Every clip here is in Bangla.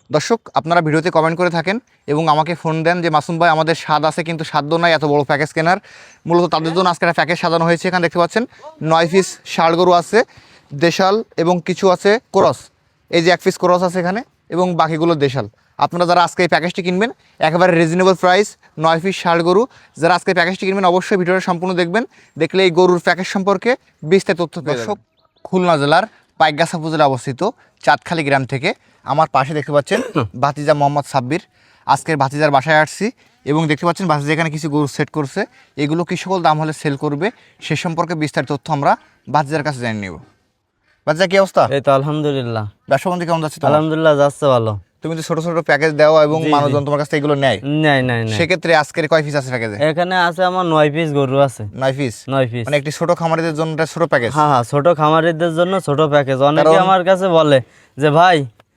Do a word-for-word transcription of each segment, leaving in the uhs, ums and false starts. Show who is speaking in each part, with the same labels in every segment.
Speaker 1: দর্শক আপনারা ভিডিওতে কমেন্ট করে থাকেন এবং আমাকে ফোন দেন যে মাসুম ভাই আমাদের স্বাদ আছে কিন্তু সাধ্য নাই এত বড় প্যাকেজ কেনার। মূলত তাদের জন্য আজকে একটা প্যাকেজ সাজানো হয়েছে। এখানে দেখতে পাচ্ছেন নয় পিস ষাঁড় গরু আছে, দেশাল এবং কিছু আছে ক্রস। এই যে এক পিস ক্রস আছে এখানে এবং বাকিগুলো দেশাল। আপনারা যারা আজকে এই প্যাকেজটি কিনবেন একেবারে রিজনেবল প্রাইস, নয় পিস ষাঁড় গরু। যারা আজকে প্যাকেজটি কিনবেন অবশ্যই ভিডিওটা সম্পূর্ণ দেখবেন, দেখলে এই গরুর প্যাকেজ সম্পর্কে বিস্তারিত তথ্য পেয়ে যাবেন। খুলনা জেলার পাইকগাছা উপজেলা অবস্থিত চাঁদখালী গ্রাম থেকে আমার পাশে দেখতে পাচ্ছেন ভাতিজা মোহাম্মদ সাব্বির। আজকের ভাতিজার বাসায় আসছি এবং দেখতে পাচ্ছেন ভাতিজা এখানে কিছু গরু সেট করছে। এগুলো কি সকল দাম হলে সেল করবে সে সম্পর্কে বিস্তারিত তথ্য আমরা ভাতিজার কাছে জেনে নেব। ভাতিজা কি অবস্থা?
Speaker 2: এই তো আলহামদুলিল্লাহ।
Speaker 1: ব্যবসা বাণিজ্য কেমন যাচ্ছে?
Speaker 2: আলহামদুলিল্লাহ যাচ্ছে ভালো।
Speaker 1: তুমি তো ছোট ছোট প্যাকেজ দাও এবং মানুষজন তোমার কাছ থেকে এগুলো নেয়।
Speaker 2: নাই নাই নাই
Speaker 1: সেক্ষেত্রে আজকের কয় পিস আছে প্যাকেজে?
Speaker 2: এখানে আছে আমার নয় পিস গরু আছে।
Speaker 1: নয় পিস
Speaker 2: নয় পিস
Speaker 1: মানে একটি ছোট খামারিদের জন্য একটা ছোট প্যাকেজ।
Speaker 2: হ্যাঁ হ্যাঁ, ছোট খামারিদের জন্য ছোট প্যাকেজ। অনেকে আমার কাছে বলে যে ভাই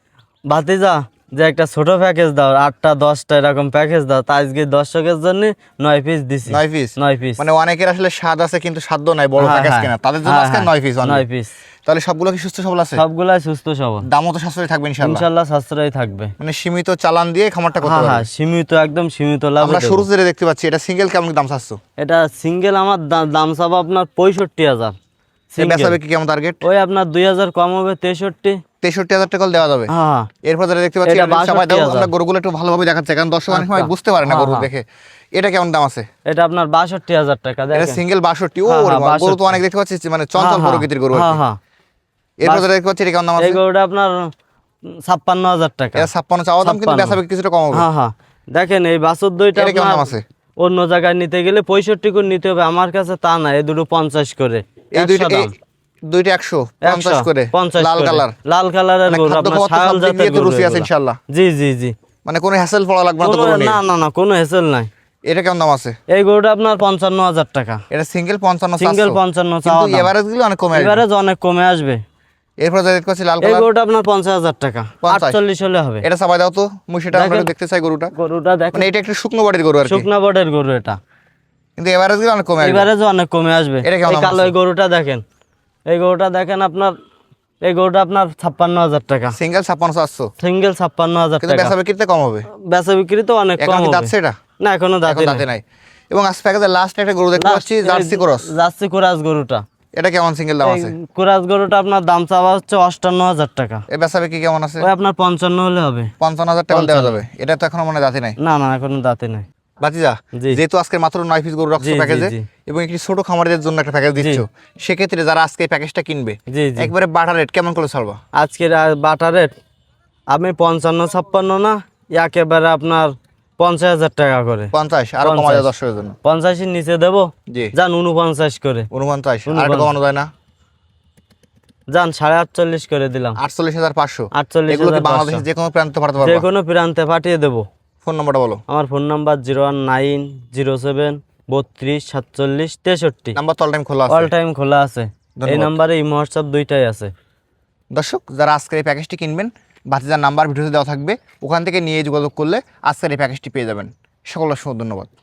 Speaker 2: ভাতিজা যে একটা ছোট প্যাকেজ দাও, আটটা দশটা এরকম প্যাকেজ দাও। তা আজকে দর্শকের জন্য নয় পিস দিছি।
Speaker 1: নয় পিস
Speaker 2: নয় পিস
Speaker 1: মানে অনেকের আসলে স্বাদ আছে কিন্তু সাধ্য নাই বড় প্যাকেজ কেনা, তাদের জন্য আজকে নয় পিস।
Speaker 2: নয় পিস
Speaker 1: তাহলে সবগুলো কি সুস্থ সবল আছে?
Speaker 2: সবগুলাই সুস্থ সবল,
Speaker 1: দামও তো সাশ্রয়ী থাকবে ইনশাআল্লাহ।
Speaker 2: ইনশাআল্লাহ সাশ্রয় থাকবে।
Speaker 1: মানে সীমিত চালান দিয়ে খামারটা করতে
Speaker 2: হ্যাঁ
Speaker 1: পারবে।
Speaker 2: হ্যাঁ, সীমিত একদম সীমিত লাভ।
Speaker 1: আমরা শুরু থেকে দেখতে পাচ্ছি এটা সিঙ্গেল কেমন দাম চাচ্ছ?
Speaker 2: এটা সিঙ্গেল আমার দা- দাম চাবো আপনার পঁয়ষট্টি হাজার।
Speaker 1: বেচাবে কি কেমন টার্গেট?
Speaker 2: ওই আপনার দুই হাজার কম হবে, তেষট্টি
Speaker 1: তেষট্টি হাজার টাকা দেওয়া যাবে।
Speaker 2: হ্যাঁ
Speaker 1: এরপর যারা দেখতে পাচ্ছি
Speaker 2: এটা
Speaker 1: এটা সবাই দাও,
Speaker 2: বাষট্টি হাজার।
Speaker 1: আমরা গরুগুলো একটু ভালোভাবে দেখাচ্ছি কারণ দর্শক অনেক সময়
Speaker 2: আচ্ছা।
Speaker 1: বুঝতে পারে না
Speaker 2: হ্যাঁ,
Speaker 1: গরু
Speaker 2: হ্যাঁ।
Speaker 1: দেখে। এটা কেমন দাম আছে?
Speaker 2: এটা আপনার বাষট্টি হাজার টাকা।
Speaker 1: এটা
Speaker 2: দেখেন
Speaker 1: সিঙ্গেল বাষট্টি। ও
Speaker 2: হ্যাঁ, হ্যাঁ,
Speaker 1: গরু তো
Speaker 2: বাষট্টি।
Speaker 1: অনেক দেখতে পাচ্ছি মানে চঞ্চল
Speaker 2: হ্যাঁ,
Speaker 1: প্রকৃতির গরু।
Speaker 2: হ্যাঁ হ্যাঁ।
Speaker 1: এরপর যারা দেখতে পাচ্ছি এটা কেমন দাম
Speaker 2: এই
Speaker 1: আছে?
Speaker 2: গরুটা আপনার ছাপ্পান্ন হাজার টাকা।
Speaker 1: এটা ছাপ্পান্ন চাওয়া দাম কিন্তু বেচাবে কিছুটা কম হবে।
Speaker 2: হ্যাঁ হ্যাঁ। দেখেন এই বাছুর দুইটা
Speaker 1: এটা কেমন
Speaker 2: আপনার
Speaker 1: দাম আছে?
Speaker 2: অন্য জায়গায় নিতে গেলে পঁয়ষট্টি করে নিতে হবে, আমার কাছে তা না। এই দুটো পঞ্চাশ করে।
Speaker 1: এই দুইটা
Speaker 2: একশো দাম।
Speaker 1: এই দুইটা একশো পঞ্চাশ
Speaker 2: একশো,
Speaker 1: করে
Speaker 2: পঞ্চাশ
Speaker 1: লাল
Speaker 2: করে।
Speaker 1: কালার।
Speaker 2: লাল কালারের
Speaker 1: মানে
Speaker 2: গরু
Speaker 1: খাদ্য
Speaker 2: আপনার
Speaker 1: খাওয়ার তো
Speaker 2: ছাগল
Speaker 1: সব দিক
Speaker 2: জাতের
Speaker 1: দিয়ে তো
Speaker 2: গরু
Speaker 1: রুচি আছে
Speaker 2: এগুলা।
Speaker 1: ইনশাআল্লাহ।
Speaker 2: জি জি জি।
Speaker 1: মানে কোনো হ্যাসেল পড়া লাগবে না তো
Speaker 2: কোনো-
Speaker 1: গরু নিয়ে?
Speaker 2: না না না, কোনো হেসেল নাই।
Speaker 1: এটা কেমন দাম আছে?
Speaker 2: এই গরুটা আপনার পঞ্চান্ন হাজার টাকা।
Speaker 1: এটা সিঙ্গেল পঞ্চান্ন
Speaker 2: সিঙ্গেল
Speaker 1: চারশো।
Speaker 2: পঞ্চান্ন
Speaker 1: কিন্তু
Speaker 2: চাওয়া দাম।
Speaker 1: এভারেজ গুলো অনেক কমে আসবে।
Speaker 2: এবারে অনেক কমে আসবে।
Speaker 1: এরপর যা দেখতে পাচ্ছি লাল
Speaker 2: এই
Speaker 1: কালার।
Speaker 2: গরুটা আপনার পঞ্চাশ হাজার টাকা,
Speaker 1: পঞ্চাশ?
Speaker 2: আটচল্লিশ হলে হবে।
Speaker 1: এটা সবাই দাও তো, মুই সেটা আমরা
Speaker 2: দেখেন।
Speaker 1: দেখতে চাই গরুটা।
Speaker 2: গরুটা দেখেন,
Speaker 1: মানে এটা একটু শুকনো বডির গরু আর কি,
Speaker 2: শুকনা বটের গরু এটা।
Speaker 1: কিন্তু এভারেজ গুলো অনেক কমে আসবে।
Speaker 2: এবারে যে অনেক কমে আসবে।
Speaker 1: এটা কেমন
Speaker 2: এই
Speaker 1: দাম
Speaker 2: কালো
Speaker 1: আছে?
Speaker 2: এই গরুটা দেখেন, এই গরুটা দেখেন আপনার, এই গরুটা আপনার ছাপ্পান্ন হাজার টাকা।
Speaker 1: সিঙ্গেল ছাপ্পান্ন চারশো,
Speaker 2: সিঙ্গেল ছাপ্পান্ন হাজার
Speaker 1: কিন্তু
Speaker 2: টাকা।
Speaker 1: বেচাবে কিনতে কম হবে।
Speaker 2: বেচা বিক্রি তো অনেক
Speaker 1: এখন
Speaker 2: কম
Speaker 1: কি
Speaker 2: হবে।
Speaker 1: যাচ্ছে এটা?
Speaker 2: না এখনো
Speaker 1: এখন
Speaker 2: দাঁতে
Speaker 1: দাঁতে নাই। এবং আজ প্যাকেজের লাস্ট একটা গরু দেখতে পাচ্ছি জার্সি ক্রস।
Speaker 2: জার্সি কোরাস গরুটা।
Speaker 1: এটা কেমন সিঙ্গেল দাম আছে?
Speaker 2: কোরাস গরুটা আপনার দাম চাওয়া হচ্ছে অষ্টান্ন হাজার টাকা।
Speaker 1: এ বেচাবে কি কেমন আছে?
Speaker 2: ওই আপনার পঞ্চান্ন হলে হবে।
Speaker 1: পঞ্চান্ন হাজার টাকা দেওয়া যাবে। এটা তো এখনো মনে দাঁতে নাই।
Speaker 2: না না এখনো দাঁতে নাই।
Speaker 1: ভাতিজা
Speaker 2: জি।
Speaker 1: যেহেতু আজকে মাত্র নয় পিস গরু রাখছো
Speaker 2: জি, জি,
Speaker 1: প্যাকেজে
Speaker 2: জি।
Speaker 1: এবং একটি ছোট খামারিদের জন্য একটা প্যাকেজ দিচ্ছ, সেক্ষেত্রে যারা আজকে এই প্যাকেজটা কিনবে
Speaker 2: জি জি।
Speaker 1: একবারে বাটা রেট কেমন করে ছাড়বা?
Speaker 2: আজকের বাটা রেট আমি পঞ্চান্ন ছাপ্পান্ন না, একেবারে আপনার পঞ্চাশ হাজার টাকা করে।
Speaker 1: পঞ্চাশ আরো কমা যায় দর্শকের জন্য।
Speaker 2: পঞ্চাশের নিচে দেবো।
Speaker 1: জি।
Speaker 2: যান উনপঞ্চাশ করে।
Speaker 1: উনপঞ্চাশ আর একটু কমানো যায় না?
Speaker 2: যান সাড়ে আটচল্লিশ করে দিলাম।
Speaker 1: আটচল্লিশ হাজার পাঁচশো।
Speaker 2: আটচল্লিশ
Speaker 1: এগুলো কি
Speaker 2: হাজার
Speaker 1: বাংলাদেশের
Speaker 2: পাঁচশো।
Speaker 1: যে কোনো প্রান্তে পাঠাতে
Speaker 2: যে
Speaker 1: পারবা?
Speaker 2: কোনো প্রান্তে পাঠিয়ে দেবো।
Speaker 1: ফোন নম্বরটা বলো।
Speaker 2: আমার phone number zero one nine zero seven বত্রিশ সাতচল্লিশ তেষট্টি।
Speaker 1: নাম্বার তো অল টাইম খোলা
Speaker 2: অল
Speaker 1: আছে।
Speaker 2: টাইম খোলা আছে। এই
Speaker 1: ধন্যবাদ।
Speaker 2: নাম্বারে ইমো হোয়াটসঅ্যাপ দুইটাই আছে।
Speaker 1: দর্শক যারা আজকের এই প্যাকেজটি কিনবেন ভাতিজার নাম্বার ভিডিওতে দেওয়া থাকবে, ওখান থেকে নিয়ে যোগাযোগ করলে আজকের এই প্যাকেজটি পেয়ে যাবেন। সকল অসংখ্য ধন্যবাদ।